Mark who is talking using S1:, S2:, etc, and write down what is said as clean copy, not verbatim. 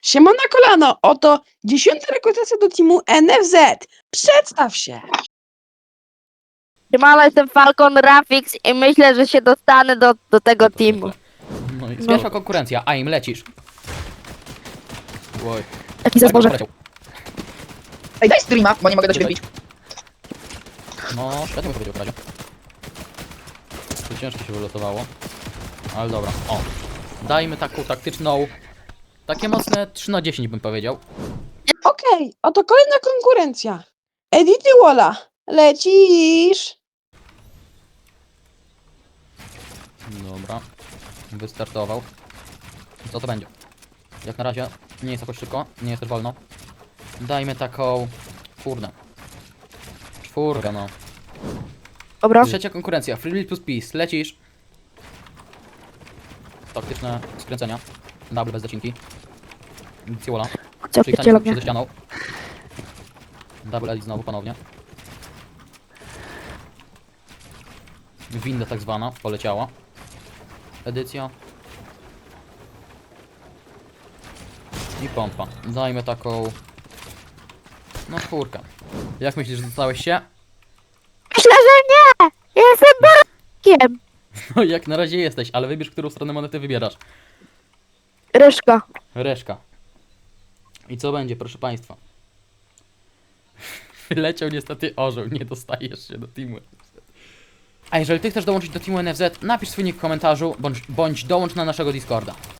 S1: Siema na kolano, oto 10. rekrutacja do teamu NFZ. Przedstaw się.
S2: Siemano, jestem Falcon Rafix i myślę, że się dostanę do tego teamu.
S3: No i pierwsza konkurencja, a im lecisz. Oj.
S2: Jaki za zboże?
S3: poleciał.
S4: Ej, daj streama, bo nie mogę do ciebie wbić.
S3: No, świetnie powiedział Kradzio. To ciężko się wylotowało. Ale dobra, o. Dajmy taką taktyczną. Takie mocne 3 na 10 bym powiedział.
S1: Okej, oto kolejna konkurencja. Edity Walla. Lecisz.
S3: Dobra. Wystartował. Co to będzie? Jak na razie nie jest jakoś szybko, nie jest też wolno. Dajmy taką... Kurde. 4, no.
S2: Dobra.
S3: Trzecia konkurencja, Free Will plus Peace. Lecisz. Taktyczne skręcenia. Double bez zacinki. Ciola.
S2: Co
S3: Czyli
S2: pierdzielę
S3: się
S2: mnie.
S3: ze ścianą. Double edit znowu ponownie. Winda tak zwana poleciała. Edycja. I pompa. Dajmy taką... No 4. Jak myślisz, że dostałeś się?
S2: Myślę, że nie! Ja jestem barakiem!
S3: No jak na razie jesteś, ale wybierz, którą stronę monety wybierasz.
S2: Ryszka.
S3: Reszka. I co będzie, proszę państwa? Wyleciał niestety orzeł, nie dostajesz się do teamu NFZ. A jeżeli ty chcesz dołączyć do teamu NFZ, napisz swój nick w komentarzu, bądź dołącz na naszego Discorda.